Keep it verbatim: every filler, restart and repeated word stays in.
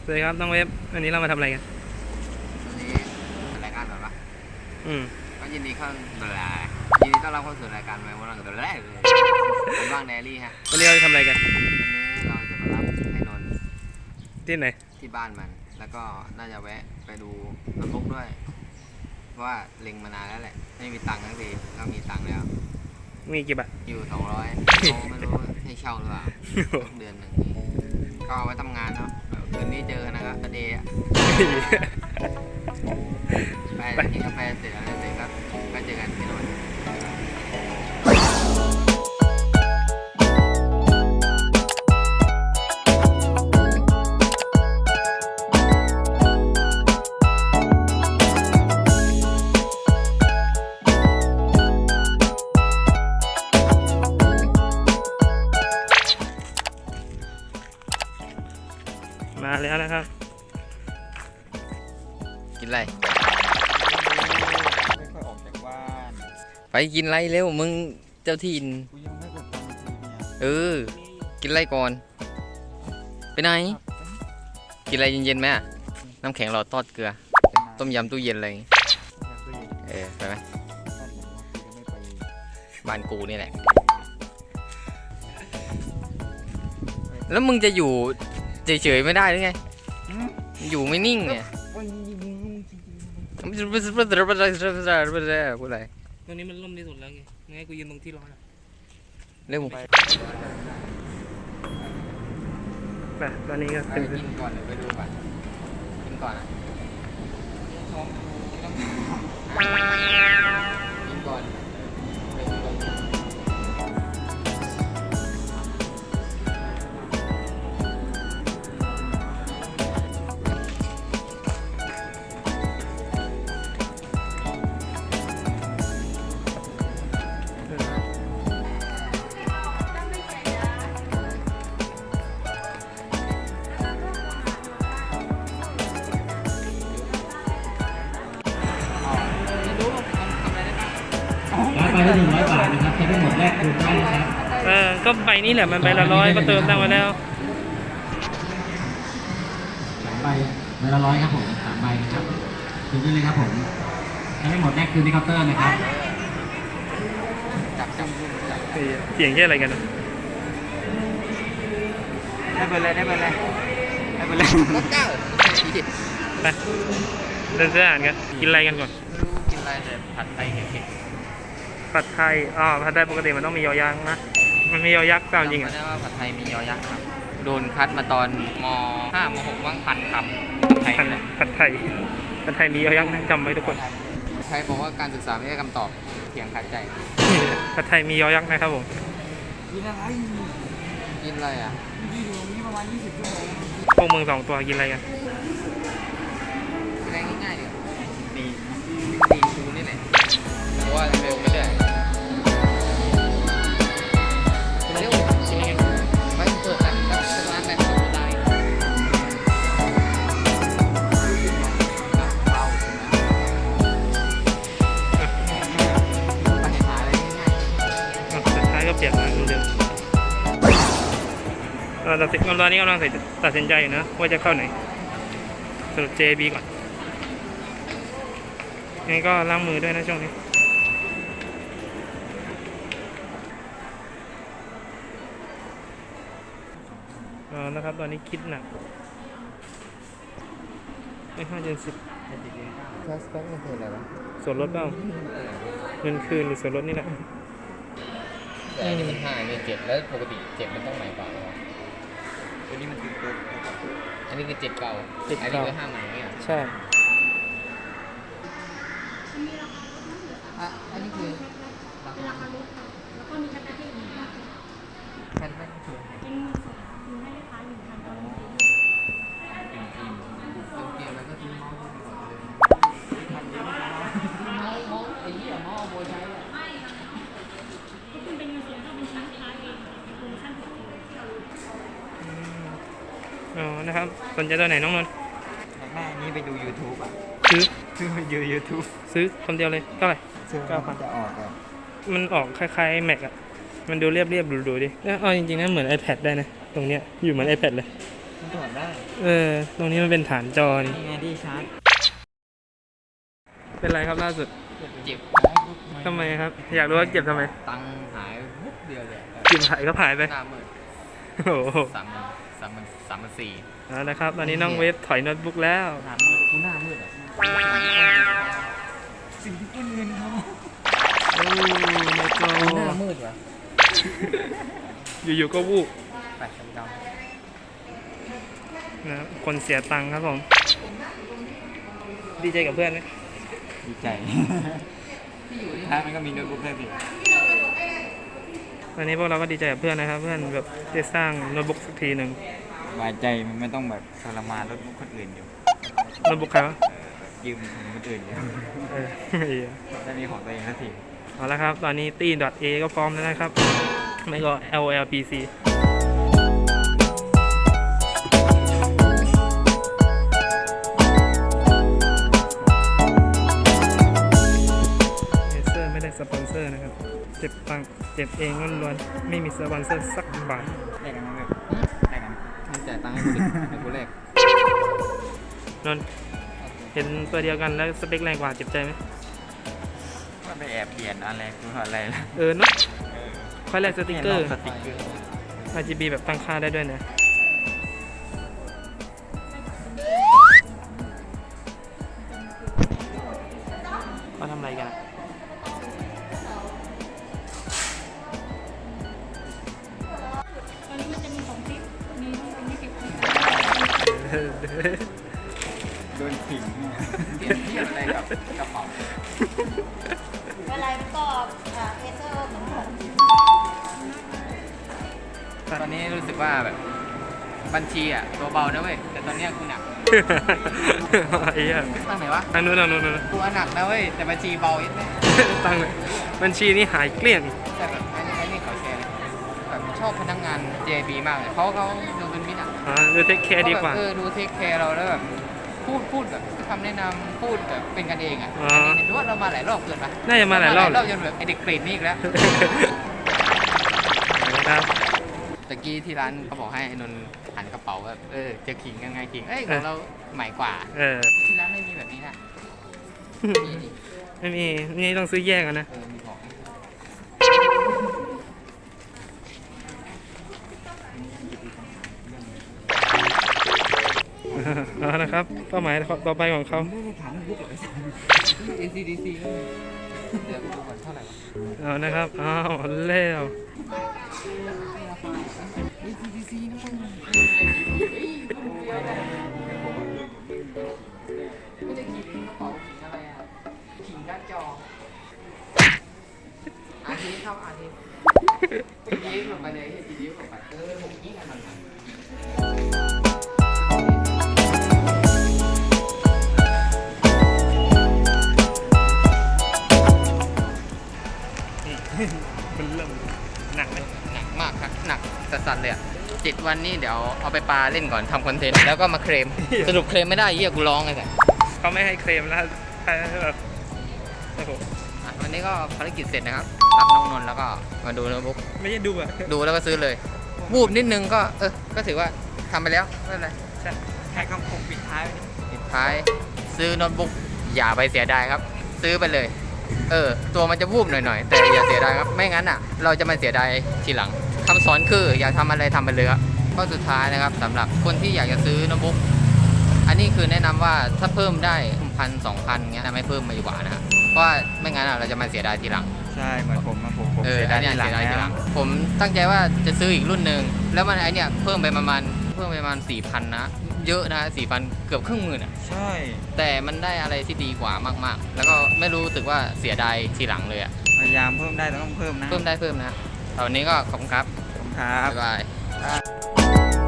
สวัสดีครับน้องเว็บวันนี้เรามาทำอะไรกันวันนี้รายการแบบว่าอืมก็ยินดีเข้าตัวแรกยินดีต้อนรับเข้าสู่รายการแมววันตัวแรกเลยผมว่างแดรี่ฮะวันนี้เราจะทำอะไรกันวันนี้เราจะมารับไอ้นนท์ที่ไหนที่บ้านมันแล้วก็น่าจะแวะไปดูน้ำพุด้วยเพราะว่าเล็งมานานแล้วแหละไม่มีตังค์ทั้งทีก็มีตังค์แล้วมีกี่บาทอยู่สองร้อยเขาไม่รู้ให้เช่าหรือเปล่าเดือนหนึ่งนี้ก็เอาไว้ทำงานเนาะคืนนี้เจอนะครับประเดี๋ยวไปกินกาแฟเสร็จแล้วเสร็จก็ก็เจอกันที่โน่นมาแล้วนะครับกินอะไรไม่ค่อยออกจากบ้านไปกินอะไรเร็วมึงเจ้าถิ่นกูยังไม่กดตังค์ทีเนี่ยเออกินอะไรก่อนไปไหนกินอะไรเย็นๆไหมน้ำแข็งหลอดทอดเกลือต้มยำตู้เย็นอะไรเออไปไหมบ้านกูนี่แหละแล้วมึงจะอยู่เฉยๆไม่ได้หรือไงอยู่ไม่นิ่งเนี่ยพูดอะไรตรงนี้มันร่มที่สุดแล้วไงงั้นกูยืนตรงที่ร้อนเร็วไปไปตอนนี้ก็ไปกินก่อนหรือไปดูก่อนกินก่อนนะกินก่อนไปละหนึ่งร้อยบาทนะครับใช้ได้หมดแรกคืนได้นะครับเออก็ใบนี้แหละมันใบละร้อยก็เติมตั้งไว้แล้วสามใบใบละร้อยครับผมสามใบนะครับคืนได้เลยครับผมใช้ได้หมดแรกคืนที่เคาน์เตอร์นะครับจับจับจับเสียงแค่อะไรกันได้ไปเลยได้ไปเลยได้ไปเลยก็เก้าไปเดินเสื้ออ่านกันกินอะไรกันก่อนกินอะไรแต่ผัดไทยเผ็ดผัดไทยอ๋อผัดไทยปกติมันต้องมียอยักษ์นะมันมียอยักษ์ตามจริงอ่ะจำไม่ได้ว่าผัดไทยมียอยักษ์ครับโดนคัดมาตอนมห้ามหกว่างพันคำผัดไทยผัดไทยผัดไทยมียอยักษ์นะจำไว้ทุกคนใครบอกว่าการศึกษาไม่ใช่คำตอบเถียงขัดใจผัดไทยมียอยักษ์นะครับผมกินอะไรกินอะไรอ่ะยืนอยู่ตรงนี้ประมาณยี่สิบชั่วโมงพวกมึงสองตัวกินอะไรกันกินอะไรง่ายๆดิตีตีชูนี่แหละแต่ว่าเร็วไม่ได้เร็วไปเปิดร้านร้านแบบธรรมดาไปหาอะไรง่ายๆสุดท้ายก็เปลี่ยนมาเหมือนเดิมเราตัดสินตอนนี้กำลังตัดสินใจอยู่นะว่าจะเข้าไหนสรุป เจ บี ก่อนงั้นก็ล้างมือด้วยนะช่วงนี้อ๋อนะครับตอนนี้คิดหนักไอ้ห้าเดือนสิบแคสแบ็กมันคืออะไรวะส่วนลดเปล่าเงินคืนหรือส่วนลดนี่แหละแต่อันนี้มันห้าอันนี้เจ็ดแล้วปกติเจ็ดมันต้องใหม่กว่าหรอตัวนี้มันคือตัวอันนี้คือเจ็ดเก่าอันนี้คือห้าใหม่เนี่ยใช่อันนี้คือราคาลดแล้วก็มีแคปเจอร์แคปเจอร์คือเป็นอยู่ให้ลูกค้าหนึ่งพันตอนนี้เต็มทีมเต็มเกมแล้วก็ทิ้งเมาส์ด้วยก่อนเลยทำเยอะมากเมาส์เมาส์ไอ้ยี่เมาส์โบใช้เลยไม่ก็คุณเป็นเงินส่วนถ้าเป็นชิ้นค้าเองโปรโมชั่นถูกอ๋อนะครับสนใจตัวไหนน้องนนท์แม่นี้ไปดู YouTube อ่ะซื้อซื้อไปดู YouTube ซื้อคนเดียวเลยเท่าไหร่เก้าพันจะออกอ่ะมันออกคล้ายๆ Mac อ่ะมันดูเรียบๆดูๆดิแล้วเอาจริงๆนะเหมือน iPad ได้นะตรงเนี้ยอยู่เหมือน iPad เลยมันถอดได้เออ ตรงนี้มันเป็นฐานจอนี่นี่ไงที่ชาร์จเป็นไรครับล่าสุดเจ็บทำไมครับ อยากรู้ว่าเก็บทำไมตังค์หายวุบเดียวเลยเก็บหายก็หายไปหน้ามืดโอ้โหสามหมื่นสามหมื่นสามหมื่นสี่เอาละครับ ตอนนี้น้องเวฟถอยโน้ตบุ๊กแล้วหน้ามืดกูหน้ามืดอ่ะสิ่งที่เพื่อนเงินเขาโอ้ในจอหน้ามืดวะอยู่ๆก็วูบแปดสิบดาวนะครับคนเสียตังค์ครับผม ดีใจกับเพื่อนไหมดีใจถ้ามันก็มีโน้ตบุ๊กเพิ่มอีกวันนี้พวกเราก็ดีใจกับเพื่อนนะครับ เพื่อนแบบได้สร้างโน้ตบุ๊กสักทีหนึ่งสบายใจมันไม่ต้องแบบทรมานโน้ตบุ๊กคนอื่นอยู่โน้ตบุ๊กใครวะยืมของคนอื่นอยู่เออเหี้ยได้มีของตัวเองสักทีเอาละครับ ตอนนี้ตี .a ก็พร้อมแล้วนะครับ ไม่ก็ แอล แอล พี ซี เอเซอร์ไม่ได้สปอนเซอร์นะครับ เจ็บตังค์เจ็บเองล้วนๆไม่มีสปอนเซอร์สักบาทได้กันไหมแบบได้กันมึงจ่ายตังค์ให้กูดิเดี๋ยวกูแลกนนท์เห็นตัวเดียวกันแล้วสเปคแรงกว่าเจ็บใจไหมว่าไปแอบเปลี่ยนอะไรคืออะไรล่ะเออเนาะค่อยแลกสติกเกอร์สติ๊กเกอร์อาร์ จี บี แบบตั้งค่าได้ด้วยนะเขาทำอะไรกันอะตอนนี้มันจะมีสองทิศมีทั้งเป็นยี่สิบทิศโดนขิงเนี่ยเปลี่ยนที่อะไรกับกระเป๋าอะไรมันก็อ่าเอเซอร์เหมือนกันตอนนี้รู้สึกว่าแบบบัญชีอ่ะตัวเบานะเว้ยแต่ตอนเนี้ยกูหนักไอ้เหี้ยตั้งไหนวะทางนู้นทางนู้นทางนู้นกูหนักนะเว้ยแต่บัญชีเบาอีกแน่ตั้งเลยบัญชีนี่หายเกลี้ยงแต่แบบไอ้นี่ไอ้นี่เขาแชร์เลยแบบชอบพนักงาน เจ บี มากเลยเขาเขาดูเป็นมิตรอ่ะอ่าดูเทคแคร์ดีกว่าเขแบบเออดูเทคแคร์เราแล้วแบบพูดพูดแบบคำแนะนำพูดแบบเป็นกันเองอ่ะอ๋ออันนี้เห็นว่าเรามาหลายรอบเกินปะน่าจะมาหลายรอบรอบจนแบบไอเด็กเปรตนี่อีกแล้วครับตะกี้ที่ร้านเขาบอกให้ไอ้นนท์หันกระเป๋าแบบเออจะขิงยังไงขิงเอ้ยของเราใหม่กว่าเออที่ร้านไม่มีแบบนี้นะมีดิไม่มีนี่ต้องซื้อแยกกันนะเออมีของเอานะครับเป้าหมายต่อไปของเขาไม่ได้ถามโน้ตบุ๊กเลยเอ ซี ดี ซี ก็มีเดี๋ยวดูก่อนเท่าไหร่วะเอานะครับอ้าวแล้วเอ ซี ดี ซี นะมึงไม่ได้ขิงกระเป๋าขิงอะไรอ่ะขิงการ์ดจออาทิตย์เข้าอาทิตย์ยิ้มลงไปเลยยิ้มลงไปเออผมยิ่งกันมันมันเริ่มหนักไหมหนักมากครับหนักสัสๆเลยอ่ะเจ็ดวันนี้เดี๋ยวเอาไปปาเล่นก่อนทำคอนเทนต์แล้วก็มาเคลมสรุปเคลมไม่ได้เยี่ยกูร้องเลยแต่เขาไม่ให้เคลมแล้วใครแบบโอ้โหอ่ะวันนี้ก็ภารกิจเสร็จนะครับ รับน้องนนท์แล้วก็มาดูโน้ตบุ๊กไม่ใช่ดูอะดูแล้วก็ซื้อเลย วูบนิดนึงก็เออก็ถือว่าทำไปแล้วไม่เป็นไรใช่ให้คำคมปิดท้ายไว้ดิปิดท้ายซื้อโน้ตบุ๊กอย่าไปเสียดายครับ ซื้อไปเลย เออ ตัวมันจะวูบหน่อยๆ แต่อย่าเสียดายครับ ไม่งั้นอ่ะ เราจะมาเสียดายทีหลังคำสอนคืออยากทำอะไรทำไปเลยครับข้อสุดท้ายนะครับสำหรับคนที่อยากจะซื้อโน้ตบุ๊กอันนี้คือแนะนำว่าถ้าเพิ่มได้พันสองพันเงี้ยไม่เพิ่มมาดีกว่านะครับเพราะว่าไม่งั้นอะเราจะมาเสียดายทีหลังใช่เหมือนผมอะผมผมเออเสียอัดาน ยเนี้ยทีหลังเสียดายทีหแล้ลัวงผมตั้งใจว่าจะซื้ออีกรุ่นหนึ่งแล้วมันไอเนี้ยเพิ่มไปประมาณเพิ่มไปประมาณสี่พันนะเยอะนะสี่พันเกือบครึ่งหมื่นอ่ะใช่แต่มันได้อะไรที่ดีกว่ามากๆ แล้วก็ไม่รู้สึกว่าเสียดายทีหลังเลยอ่ะพยายามเพิ่มได้แต่ต้องเพิ่มนะเพิ่มได้เพิ่มนะตอนนี้ก็ขอบคุณครับขอบคุณครับบ๊ายบาย